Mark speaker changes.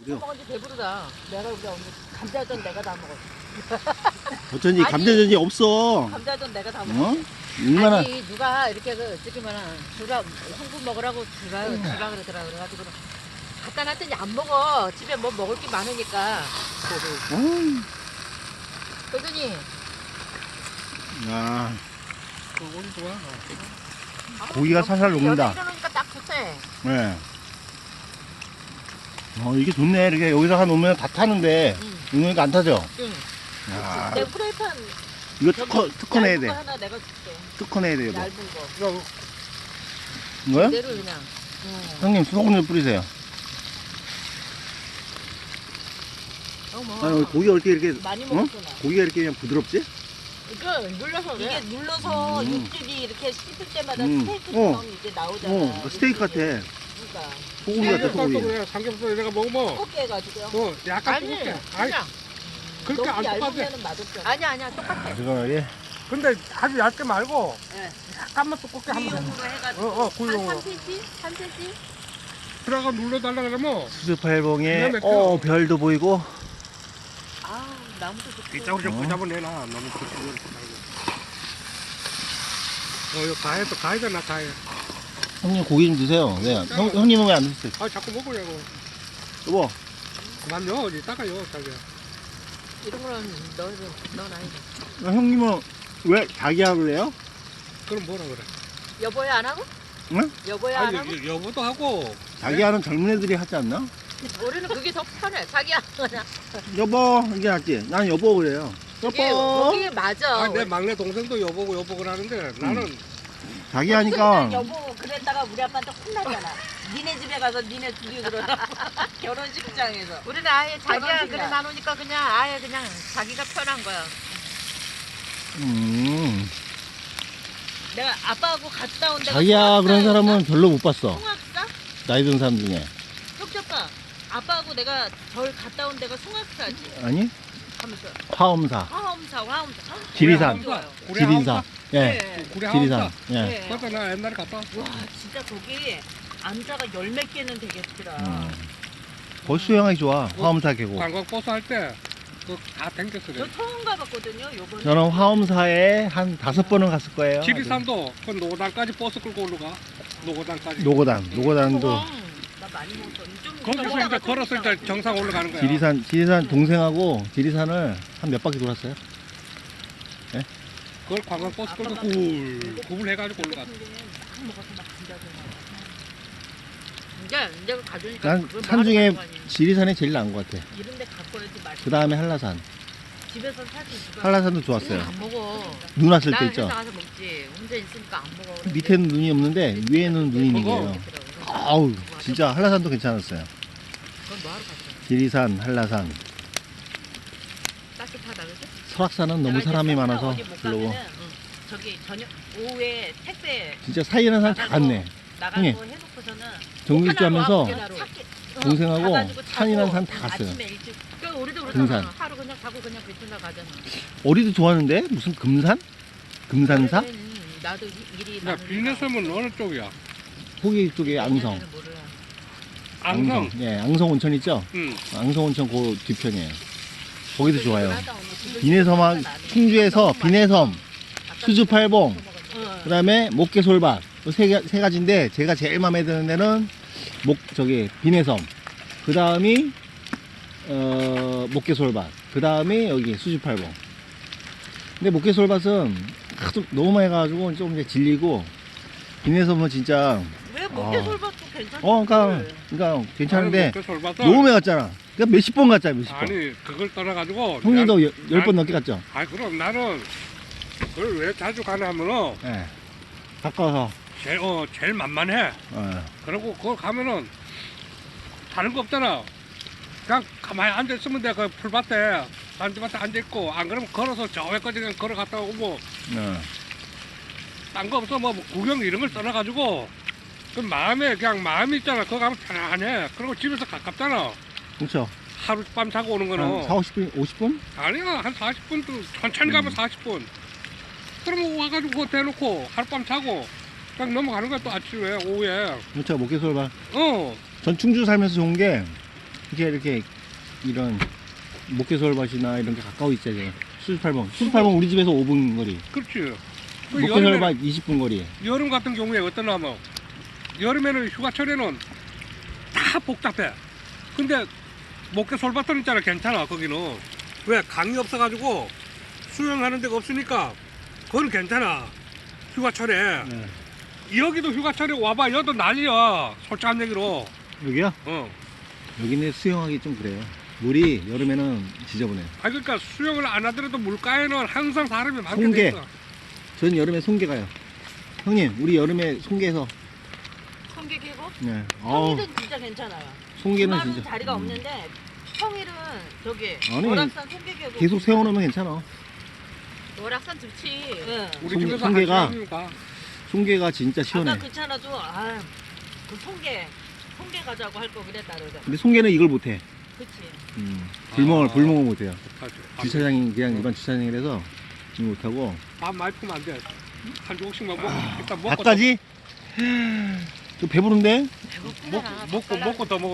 Speaker 1: 그래요.
Speaker 2: 먹었지 배부르다. 내가 우리 언니 감자전 내가 다 먹었어.
Speaker 1: 어쩐지
Speaker 2: 아니.
Speaker 1: 감자전이 없어.
Speaker 2: 감자전 내가 다 먹었어.
Speaker 1: 어? 얼마나
Speaker 2: 아니 누가 이렇게 저기만 주라 형부 먹으라고 주라 그러더라. 그래가지고 갖다 놨더니 안 먹어. 집에 뭐 먹을 게 많으니까. 그러더니
Speaker 1: 야,
Speaker 3: 오늘 좋아.
Speaker 1: 고기가 살살 녹는다.
Speaker 2: 이러니까 딱 좋대.
Speaker 1: 네. 이게 좋네. 이렇게 여기다가 놓으면 다 타는데
Speaker 2: 응.
Speaker 1: 이거니까 안 타죠.
Speaker 2: 응.
Speaker 1: 야,
Speaker 2: 내 프라이팬
Speaker 1: 이거
Speaker 2: 저기
Speaker 1: 특허 내야
Speaker 2: 얇은
Speaker 1: 돼.
Speaker 2: 거 하나 내가 줄게.
Speaker 1: 특허 내야 돼, 이거.
Speaker 2: 얇은 거.
Speaker 3: 이거
Speaker 1: 이거요?
Speaker 2: 그대로 그냥. 응.
Speaker 1: 형님 소금 좀 뿌리세요.
Speaker 2: 어머.
Speaker 1: 아니 고기가 어떻게 이렇게
Speaker 2: 많이
Speaker 1: 어?
Speaker 2: 먹었어 나.
Speaker 1: 고기가 이렇게 그냥 부드럽지?
Speaker 2: 이거 눌러서 이게 눌러서 육즙이 이렇게 씹을 때마다
Speaker 1: 음.
Speaker 2: 스테이크처럼 이게 나오잖아.
Speaker 1: 스테이크 같아.
Speaker 2: 그러니까
Speaker 1: 소고기 같아, 소고기.
Speaker 3: 그래 삼겹살 내가 먹으면
Speaker 2: 두껍게 해가지고요.
Speaker 3: 약간
Speaker 2: 아니
Speaker 3: 뜨겁게.
Speaker 2: 그냥
Speaker 3: 그렇게
Speaker 2: 너무
Speaker 3: 안 똑같아.
Speaker 2: 얇으면 맛없잖아. 아니야 똑같아.
Speaker 1: 잠깐만,
Speaker 3: 근데 아주 얇게 말고
Speaker 2: 네.
Speaker 3: 약간만 두껍게 하면 돼.
Speaker 2: 구이용으로 해가지고
Speaker 3: 구이용으로.
Speaker 2: 한 3cm? 3cm?
Speaker 3: 들어가 눌러달라 그러면
Speaker 1: 수수팔봉에
Speaker 3: 기가 막혀.
Speaker 1: 별도 보이고.
Speaker 2: 아 나무도 좋고.
Speaker 3: 이쪽으로 좀 붙잡아내놔. 너무 그렇게 이거 가해도 나 가해.
Speaker 1: 형님 고기 좀 드세요. 네. 형님은 왜 안 드세요?
Speaker 3: 아 자꾸 먹으려고.
Speaker 1: 여보.
Speaker 3: 그만요. 이따가요. 자기야.
Speaker 2: 이런 거는 넌 아니지.
Speaker 1: 형님은 왜 자기야 그래요?
Speaker 3: 그럼 뭐라 그래?
Speaker 2: 여보야 안 하고?
Speaker 1: 응?
Speaker 2: 여보야 안 하고?
Speaker 3: 여보도 하고.
Speaker 1: 자기야는 젊은 애들이 하지 않나?
Speaker 2: 우리는 그게 더 편해. 자기야 그냥.
Speaker 1: 여보 이게 낫지. 난 여보 그래요.
Speaker 2: 그게
Speaker 1: 여보.
Speaker 2: 그게 맞아.
Speaker 3: 내 막내 동생도 여보고 하는데 나는
Speaker 1: 자기 하니까
Speaker 2: 여보 그랬다가 우리 아빠한테 혼나잖아. 니네 집에 가서 니네 둘이 그러나 결혼식장에서. 우리는 아예 자기야
Speaker 1: 그러니까.
Speaker 2: 그래 나누니까 그냥 아예 그냥 자기가 편한 거야. 내가 아빠하고 갔다 온 데가
Speaker 1: 자기야 그런 사람은 별로 못 봤어.
Speaker 2: 송악사?
Speaker 1: 나이 든 사람 중에.
Speaker 2: 쪽쪽가 아빠하고 내가 절 갔다 온 데가 송악사지.
Speaker 1: 아니?
Speaker 2: 하면서
Speaker 1: 화엄사,
Speaker 2: 화엄사.
Speaker 1: 지리산.
Speaker 2: 좋아요.
Speaker 1: 지리산. 예.
Speaker 2: 네.
Speaker 3: 우리
Speaker 1: 지리산.
Speaker 3: 하우스.
Speaker 1: 예.
Speaker 2: 네.
Speaker 3: 맞아 나 옛날에 갔다 왔어.
Speaker 2: 와 진짜 거기 암자가 열 몇 개는 되겠더라.
Speaker 1: 거기 수영하기 좋아. 화엄사 계곡.
Speaker 3: 관광버스 할 때 그 다 댕겼어.
Speaker 2: 저 처음 가봤거든요. 요번에.
Speaker 1: 저는 화엄사에 한 5번은 갔을 거예요.
Speaker 3: 지리산도 그 노고단까지 버스 끌고 올라가. 노고단까지.
Speaker 1: 노고단도.
Speaker 2: 나 많이 먹었어. 좀
Speaker 3: 거기서 이제 걸었을 때 정상 올라가는 거야.
Speaker 1: 지리산 동생하고 지리산을 한 몇 바퀴 돌았어요.
Speaker 3: 그걸 관광버스 끌고
Speaker 2: 아빠가
Speaker 3: 구불 해가지고 올라갔어.
Speaker 2: 막 먹어서 막 진짜 이제 가져니까
Speaker 1: 난 산 중에 지리산이 제일 나은 것 같아.
Speaker 2: 이런 데 갖고 와야지 맛있어.
Speaker 1: 그 다음에 한라산.
Speaker 2: 집에서 사실 누가
Speaker 1: 한라산도 좋았어요.
Speaker 2: 안 먹어.
Speaker 1: 눈 왔을
Speaker 2: 나
Speaker 1: 때
Speaker 2: 회사
Speaker 1: 있죠.
Speaker 2: 가서 먹지. 혼자 있으니까 안 먹어. 그런데
Speaker 1: 밑에는 눈이 없는데 위에는 눈이 있는
Speaker 3: 그거.
Speaker 1: 거예요.
Speaker 2: 있더라고.
Speaker 1: 아우 진짜 한라산도 괜찮았어요.
Speaker 2: 그건 뭐 하러 갔어?
Speaker 1: 지리산, 한라산.
Speaker 2: 따뜻하다 그지?
Speaker 1: 설악산은 너무
Speaker 2: 내가 이제
Speaker 1: 사람이
Speaker 2: 설사
Speaker 1: 많아서
Speaker 2: 어디 못
Speaker 1: 별로고.
Speaker 2: 가면은, 저기 저녁 오후에 택배
Speaker 1: 진짜 사이에는 사람 다 갔네.
Speaker 2: 나가고
Speaker 1: 형님.
Speaker 2: 해놓고서는
Speaker 1: 정글주 하면서
Speaker 2: 찾기-
Speaker 1: 동생하고
Speaker 2: 가가지고
Speaker 1: 산이란
Speaker 2: 자고
Speaker 1: 산 다 갔어요.
Speaker 2: 아침에 일찍. 그러니까 우리도
Speaker 1: 등산.
Speaker 2: 그러잖아. 하루 그냥 가고 그냥 베트남 가잖아.
Speaker 1: 어리도 좋아하는데 무슨 금산? 금산사?
Speaker 2: 나도 일이
Speaker 3: 야
Speaker 2: 많으니까.
Speaker 3: 비즈니스는 어느 쪽이야?
Speaker 1: 거기 쪽에 앙성.
Speaker 2: 옛날에는 몰라.
Speaker 3: 앙성.
Speaker 1: 예, 앙성 온천 있죠?
Speaker 3: 응.
Speaker 1: 앙성 온천 그 뒤편이에요. 거기도 좋아요.
Speaker 2: 하다 오늘
Speaker 1: 비내섬, 충주에서 비내섬, 수주팔봉,
Speaker 2: 응.
Speaker 1: 그 다음에 목계솔밭. 세 가지인데, 제가 제일 마음에 드는 데는 비내섬. 그 다음이, 목계솔밭. 그 다음에 여기 수주팔봉. 근데 목계솔밭은 하도 너무 많이 가가지고 좀 이제 질리고, 비내섬은 진짜,
Speaker 2: 왜 목계솔밭도 괜찮지?
Speaker 1: 그러니까 괜찮은데,
Speaker 3: 그 솔밭을
Speaker 1: 너무 많이 갔잖아. 그러니까 몇십 번 갔잖아, 몇십 번.
Speaker 3: 아니 그걸 떠나가지고
Speaker 1: 형님도 10번 넘게 갔죠?
Speaker 3: 아니 그럼 나는 그걸 왜 자주 가냐 하면은
Speaker 1: 예. 가까워서.
Speaker 3: 제일 만만해. 그리고 그걸 가면은 다른 거 없잖아. 그냥 가만히 앉아 있으면 돼. 그 풀밭에 잔디밭에 앉아 있고 안 그러면 걸어서 저 외까지 그냥 걸어갔다 오고 딴 거 없어. 뭐 구경 이런 걸 떠나가지고 그 마음이 있잖아. 그거 가면 편안해. 그리고 집에서 가깝잖아.
Speaker 1: 그렇죠.
Speaker 3: 하룻밤 자고 오는 거는
Speaker 1: 한 4, 50분, 50분?
Speaker 3: 아니야 한 40분도 천천히 가면 40분. 그러면 와가지고 그거 대놓고 하룻밤 자고 딱 넘어가는 거야 또 아침에 오후에.
Speaker 1: 그렇죠. 목계솔밭.
Speaker 3: 어.
Speaker 1: 전 충주 살면서 좋은 게 이렇게 이런 목계솔밭이나 이런 게 가까워 있잖아요. 수지팔봉. 수지팔봉 우리 집에서 5분 거리.
Speaker 3: 그렇지. 그
Speaker 1: 목계솔밭 20분 거리.
Speaker 3: 여름 같은 경우에 어떠냐면 여름에는 휴가철에는 다 복잡해. 근데 목계 솔밭은 있잖아 괜찮아 거기는. 왜 강이 없어가지고 수영하는 데가 없으니까 그건 괜찮아 휴가철에.
Speaker 1: 네.
Speaker 3: 여기도 휴가철에 와봐 여도 난리야 솔직한 얘기로.
Speaker 1: 여기요?
Speaker 3: 어.
Speaker 1: 여기는 수영하기 좀 그래요. 물이 여름에는 지저분해.
Speaker 3: 아 그러니까 수영을 안 하더라도 물가에는 항상 사람이 많게
Speaker 1: 송게.
Speaker 3: 돼 있어.
Speaker 1: 전 여름에 송게 가요. 형님, 우리 여름에 송게에서.
Speaker 2: 성게 계곡?
Speaker 1: 네. 어우,
Speaker 2: 평일은 진짜 괜찮아요.
Speaker 1: 송게는
Speaker 2: 주말은
Speaker 1: 진짜.
Speaker 2: 자리가 없는데 평일은 저기
Speaker 1: 아니,
Speaker 2: 월악산 송게 계곡
Speaker 1: 계속 세워놓으면 괜찮아.
Speaker 2: 월악산 좋지. 응.
Speaker 3: 우리
Speaker 1: 송게-
Speaker 3: 집에서
Speaker 1: 송게가-
Speaker 3: 한 시간이니까.
Speaker 1: 송게가 진짜 시원해.
Speaker 2: 아까 괜찮아도 그 송게 가자고 할 거 그랬다 그러자.
Speaker 1: 근데 송게는 이걸 못해.
Speaker 2: 그치.
Speaker 1: 불멍을 못해요.
Speaker 3: 아,
Speaker 1: 주차장이 그냥 일반 주차장이라서 이거 못하고.
Speaker 3: 밥 많이 풀면 안 돼. 한 조각씩만 먹고 일단 먹고
Speaker 1: 밥까지? 저 배부른데?
Speaker 2: 배고프잖아.
Speaker 3: 먹고 더 먹어.